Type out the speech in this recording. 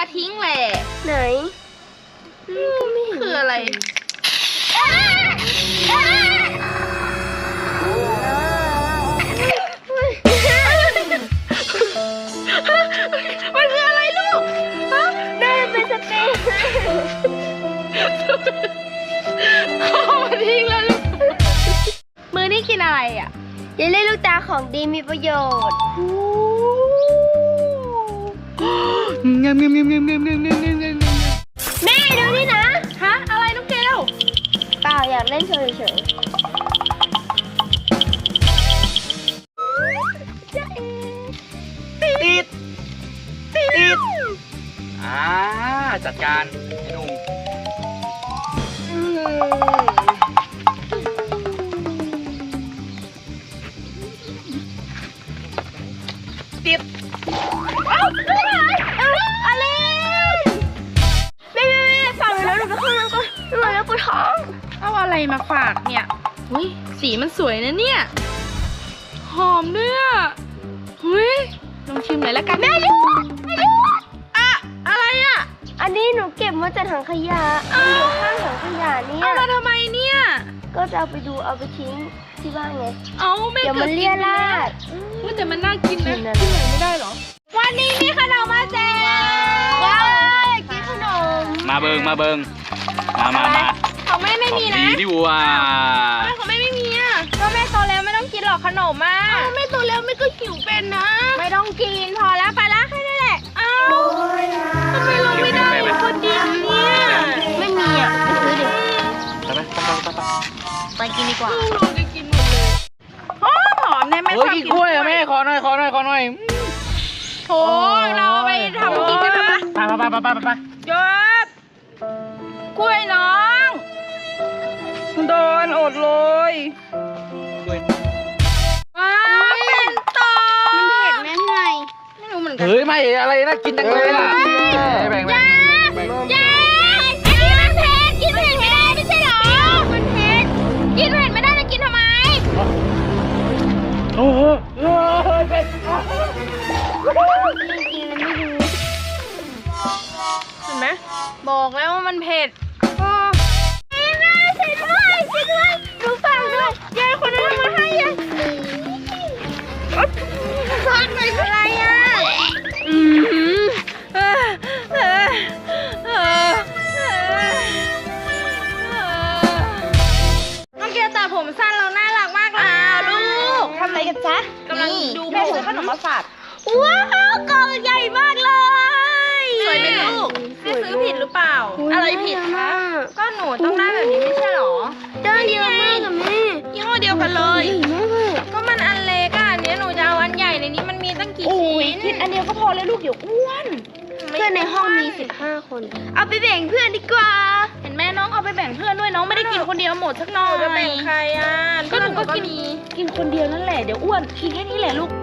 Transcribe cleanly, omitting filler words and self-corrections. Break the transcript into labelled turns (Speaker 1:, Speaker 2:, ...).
Speaker 1: มาทิ้งแหละ
Speaker 2: ไหน
Speaker 1: คืออะไรมันคืออะไรลูก
Speaker 2: แม่เป็นสเปรย์
Speaker 1: ขอมาทิ้งแล้วลูกมือนี่กินอะไรอ่ะ
Speaker 2: เยลลี่ลูกตาของดีมีประโยชน์
Speaker 1: งามแม่ดูนี่นะฮะอะไรน้องเกล
Speaker 2: เปล่าอยากเล่นเฉย
Speaker 3: ติดจัดการไอ้หนุ่มติด
Speaker 2: อะไรแม่ฝากหนูแล้วหนูไปเข้าห้องน้ำก่อนหนูแล้วปวดท้อง
Speaker 1: เอาอะไรมาฝากเนี่ยหุ้ยสีมันสวยนะเนี่ยหอมด้วยอ่ะหุ้ยลองชิมหน่อยแล้วกัน
Speaker 2: แม่ลูก
Speaker 1: อะอะไรอ่ะ
Speaker 2: อันนี้หนูเก็บมาจากถังขยะอยู่ข้างถังขยะเนี่ย
Speaker 1: เอามาทำไมเนี่ย
Speaker 2: ก็จะเอาไปดูเอาไปทิ้งที่บ้านไง
Speaker 1: เอาไม่
Speaker 2: เดี๋ยวมันเลี่ยราด
Speaker 1: แต่มันน่ากินนะกินหน่อยไม่ได้หรอวันนี้มีขนมมาแจก
Speaker 2: ว้าวกินขนม
Speaker 3: มาเบิงมา
Speaker 1: ของแม่ไม่มีนะ
Speaker 3: ดีดิวะ
Speaker 1: ของแม่ไม่มีอ่ะก็แม่โตแล้วไม่ต้องกินหรอกขนมอ่ะแม่โตแล้วไม่ก็หิวเป็นนะไม่ต้องกินพอแล้วไปละแค่นั้นแหละอ้าวทำไมเราไม่ได้คนเดียวเนี่ย
Speaker 2: ไม่มีอ่ะไปซื้อดิ
Speaker 3: ไป
Speaker 1: กินดีกว่าเราจะกินหมดเลยหอมเนี่ยแม่ชอบกิน
Speaker 3: กล้วยอะแม่ขอหน่อย
Speaker 1: โถเราไปทำกินกันไหม
Speaker 3: ไป
Speaker 1: ยศกล้วยน้องโดนอดเลยว้าวเป็นต่อ
Speaker 2: มันเผ็ดไหม
Speaker 1: ไม่รู้เหมือนกัน
Speaker 3: เฮ้ยไม่อะไรนะกินจังเลยล่ะแบ่ง
Speaker 1: อันนี้มันเผ็ดกินเผ็ดไม่ได้ไม่ใช่หรอมันเผ็ดกินเผ็ดไม่ได้จะกินทำไม
Speaker 3: โอ้โหเผ็ด
Speaker 1: เห็นไหมบอกแล้วว่ามันเผ็ด
Speaker 2: แม่ช่วยด้วยดูฟังด้วยยายคนนั้นมาให้ยายฟังหน่อยอะไรอ่ะ
Speaker 1: น้องเกียวตัดผมสั้นเราน่ารักมากเลยลูก
Speaker 2: ทำอะไรกันจ๊ะ
Speaker 1: กำลังดูแม่ซื้อขนมมาฝาก
Speaker 2: ว้าวกล่องใหญ่มากเลย
Speaker 1: สวยไหมลูกแม่ซื้อผิดหรือเปล่าอะไรผิดคะก็หนูต้องได้แบบนี้ไม่ใช่หรอ
Speaker 2: ได้เยอะมากกับแม่
Speaker 1: ยี่ห้อเดียวกันเลยก็มันอันเล็กอ่ะเนี้ยหนูจะเอาอันใหญ่ในนี้มันมีตั้งกี่ชิ้น
Speaker 2: คิดอันเดียวก็พอแล้วลูกเดี๋ยวอ้วนเพื่อนในห้องมี15 คนเอาไปแบ่งเพื่อนดีกว่า
Speaker 1: เห็นแม่น้องเอาไปแบ่งเพื่อนด้วยน้องไม่ได้กินคนเดียวหมดสักหน่อย
Speaker 2: จะแบ่งใครอ่ะ
Speaker 1: ก็หนูก็กินคนเดียวนั่นแหละเดี๋ยวอ้วนกินแค่นี้แหละลูก